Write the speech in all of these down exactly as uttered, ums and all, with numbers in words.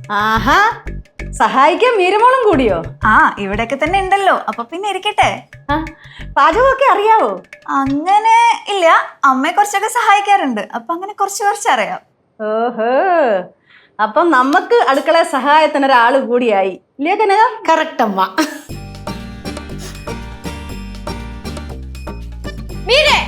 ആഹാ, സഹായിക്കാൻ മീരമോളും കൂടിയോ? ആ, ഇവിടെയൊക്കെ തന്നെ ഉണ്ടല്ലോ, അപ്പൊ പിന്നെ ഇരിക്കട്ടെ. ആ, പാചകമൊക്കെ അറിയാവോ? അങ്ങനെ ഇല്ല, അമ്മയെ കുറച്ചൊക്കെ സഹായിക്കാറുണ്ട്, അപ്പൊ അങ്ങനെ കുറച്ച് കുറച്ച് അറിയാം. ഓഹോ, അപ്പം നമുക്ക് അടുക്കള സഹായത്തിന് ഒരാള് കൂടിയായി ഇല്ലേ കനക? കറക്റ്റ് അമ്മ. മീരേ,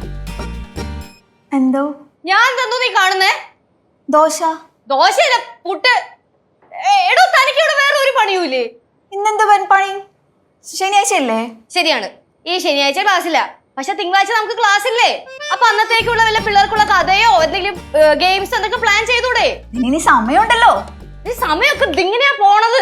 എന്തോ? ഞാൻ തന്നു നീ കാണുന്നേ ദോശ. ദോശയല്ല, പുട്ട്. എടോ, തനിക്ക് ഇവിടെ വേറെ ഒരു പണിയൂല്ലേ? ഇന്നെന്താ പണി? ശനിയാഴ്ച അല്ലേ? ശരിയാണ്, ഈ ശനിയാഴ്ച ക്ലാസ്സില്ല, പക്ഷെ തിങ്കളാഴ്ച നമുക്ക് ക്ലാസ് ഇല്ലേ? അപ്പൊ അന്നത്തേക്കുള്ള വല്ല പിള്ളേർക്കുള്ള കഥയോ എന്തെങ്കിലും ഗെയിംസ് എന്തൊക്കെ പ്ലാൻ ചെയ്തൂടെ? ഇനി സമയമുണ്ടല്ലോ. ഈ സമയമൊക്കെ ഇങ്ങനെയാ പോണത്.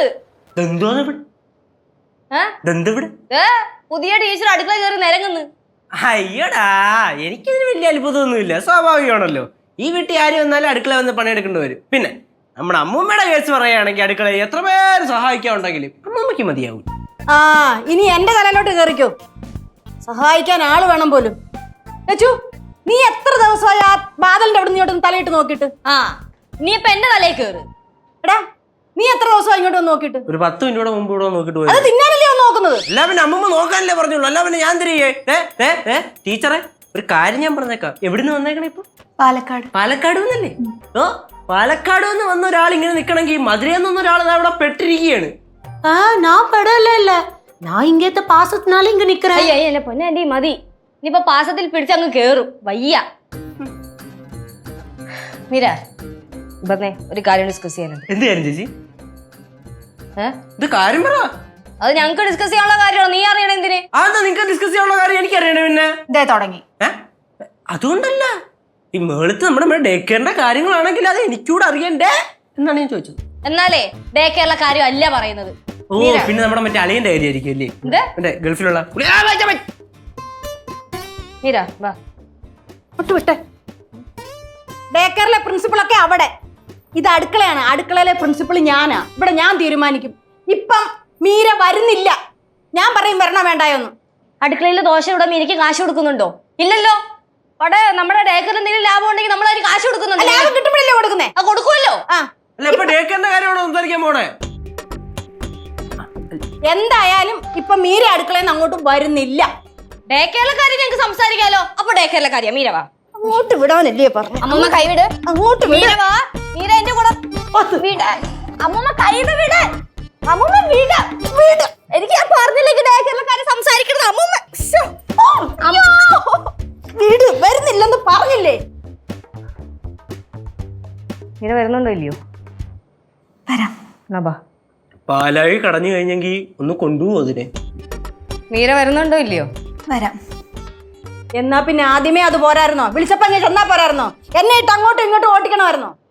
പുതിയ ടീച്ചർ അടുക്കള കയറി നിരങ്ങുന്നു. അയ്യടാ, എനിക്കിതിന് വലിയ അത്ഭുതമൊന്നുമില്ല, സ്വാഭാവികമാണല്ലോ. ഈ വീട്ടിൽ ആരും വന്നാലും അടുക്കള വന്ന് പണിയെടുക്കേണ്ടി വരും. പിന്നെ നമ്മുടെ അമ്മൂമ്മയുടെ കേസ് പറയുകയാണെങ്കിൽ അടുക്കള എത്ര പേര് സഹായിക്കാനുണ്ടെങ്കിലും അമ്മൂമ്മയ്ക്ക് മതിയാവും. ആ, ഇനി എന്റെ തലയിലോട്ട് കയറിക്കോ. സഹായിക്കാൻ ആള് വേണം പോലും. ലച്ചു, നീ എത്ര ദിവസമായി ആ ബാദലിന്റെ അവിടെ ഇങ്ങോട്ടൊന്ന് തലയിട്ട് നോക്കിയിട്ട്? ആ, നീ ഇപ്പൊ എന്റെ തലയിൽ കയറ്. എടാ, നീ എത്ര ദിവസമായി ഇങ്ങോട്ട് വന്ന് നോക്കിയിട്ട്? ഒരു പത്ത് മിനിറ്റോടെ മുമ്പ് ഇവിടെ നോക്കിട്ട് പോയി. അത് തിന്നാനല്ലേ വന്ന് നോക്കുന്നത്? അല്ല പിന്നെ അമ്മൂമ്മ നോക്കാനല്ലേ പറഞ്ഞോളൂ, അല്ല പിന്നെ ഞാൻ തിരികെ. ടീച്ചറെ, ഒരു കാര്യം ഞാൻ പറഞ്ഞേക്കാം. എവിടുന്ന് വന്നേക്കണേ ഇപ്പൊ? പാലക്കാട്. പാലക്കാട് വന്നല്ലേ? ഓ, പാലക്കാട് നിന്ന് വന്ന ഒരാൾ ഇങ്ങനെ നിക്കണമെങ്കിൽ മധുരയിൽ നിന്ന് ഒരാൾ അവിടെ പെട്ടിരിക്കുകയാണ്. ஆ, நான் படல இல்ல, நான் இங்கேத்த பாசத்தினால இங்க நிக்கிறேன். അയ്യ അയ്യ പൊന്നെ ആന്റി, മതി. ഇനിയിപ്പൊ പാസത്തിൽ പിടിച്ചങ്ങ് കേറും, വയ്യ. മീര, ഇപ്പന്നേ ഒരു കാര്യം ഡിസ്കസ് ചെയ്യാനുണ്ട്. എന്ത് കാര്യം ചേച്ചി? ഏഹ് ഇത് കാര്യം പറ. അത് ഞങ്ങൾക്ക് ഡിസ്കസ് ചെയ്യാനുള്ള കാര്യമാണ്, നീ അറിയണ എന്തിന്? അതെന്താ നിങ്ങൾക്ക് ഡിസ്കസ് ചെയ്യാനുള്ള കാര്യം എനിക്കറിയണേ? പിന്നെ ഇതേ തുടങ്ങി. അതുകൊണ്ടല്ല, ഈ മേളത്ത് നമ്മുടെ ഡേ കെയറിന്റെ കാര്യങ്ങളാണെങ്കിൽ അത് എനിക്കൂടെ അറിയണ്ടേ എന്നാണ് ഞാൻ ചോദിച്ചത്. എന്നാലേ ഡേ കെയറിലെ കാര്യം അല്ല പറയുന്നത്. ഓ, പിന്നെ നമ്മുടെ മറ്റേ അളിയന്റെ കാര്യം ആയിരിക്കും അല്ലേ? മറ്റേ ഗൾഫിലുള്ള. മീര, വാ. വിട്ടെ, ഡേ കെയറിലെ പ്രിൻസിപ്പളൊക്കെ അവിടെ. ഇത് അടുക്കളയാണ്, അടുക്കളയിലെ പ്രിൻസിപ്പൾ ഞാനാ. ഇവിടെ ഞാൻ തീരുമാനിക്കും. ഇപ്പം മീര വരുന്നില്ല, ഞാൻ പറയും വരണ വേണ്ടായോന്ന്. അടുക്കളയിൽ ദോശ ഇവിടെ മീരയ്ക്ക് കാശ് കൊടുക്കുന്നുണ്ടോ? ഇല്ലല്ലോ. അവിടെ നമ്മുടെ ഡേ കെയറിന് എന്തെങ്കിലും ലാഭം ഉണ്ടെങ്കിൽ നമ്മൾ അതിന് കാശ് കൊടുക്കുന്നുണ്ട്. ലാഭം കിട്ടുമ്പോഴല്ലേ കൊടുക്കുന്നേ? ആ, കൊടുക്കുമല്ലോ. ആ, അല്ല, ഇപ്പൊ ഡേ കെയറിന്റെ കാര്യമാണോ സംസാരിക്കാൻ പോണേ? എന്തായാലും ഇപ്പൊ മീര അടുക്കളയിൽ നിന്ന് അങ്ങോട്ടും വരുന്നില്ല. ഡേ കെയറിലെ കാര്യം ഞങ്ങൾക്ക് സംസാരിക്കാലോ. അപ്പൊ ഡേ കെയറിലെ കാര്യം മീര വാ. അങ്ങോട്ട് വിടാനല്ലേ പറഞ്ഞു? അമ്മൂമ്മ കൈവിട്. അങ്ങോട്ട് മീര വാ. മീര എന്റെ കൂടെ വിട. അമ്മൂമ്മ കൈവിട്, വിട്. അമ്മൂമ്മ വിട, വിട്. എനിക്ക് ഞാൻ പറഞ്ഞില്ലെങ്കിൽ ഡേ കെയറിലെ കാര്യം സംസാരിക്കരുത്. അമ്മൂമ്മ വീട് വരുന്നില്ലെന്ന് പറഞ്ഞില്ലേ? മീര വരുന്നുണ്ടോ ഇല്ലയോ? വരാം. പാലായി കടഞ്ഞു കഴിഞ്ഞെങ്കിൽ ഒന്ന് കൊണ്ടുപോകും അതിനെ. മീര വരുന്നുണ്ടോ ഇല്ലയോ? വരാം. എന്നാ പിന്നെ ആദ്യമേ അത് പോരായിരുന്നോ? വിളിച്ചപ്പോ ഞാൻ ചെന്നാ പോരായിരുന്നോ? എന്നെ ഇട്ട് അങ്ങോട്ടും ഇങ്ങോട്ടും ഓട്ടിക്കണമായിരുന്നോ?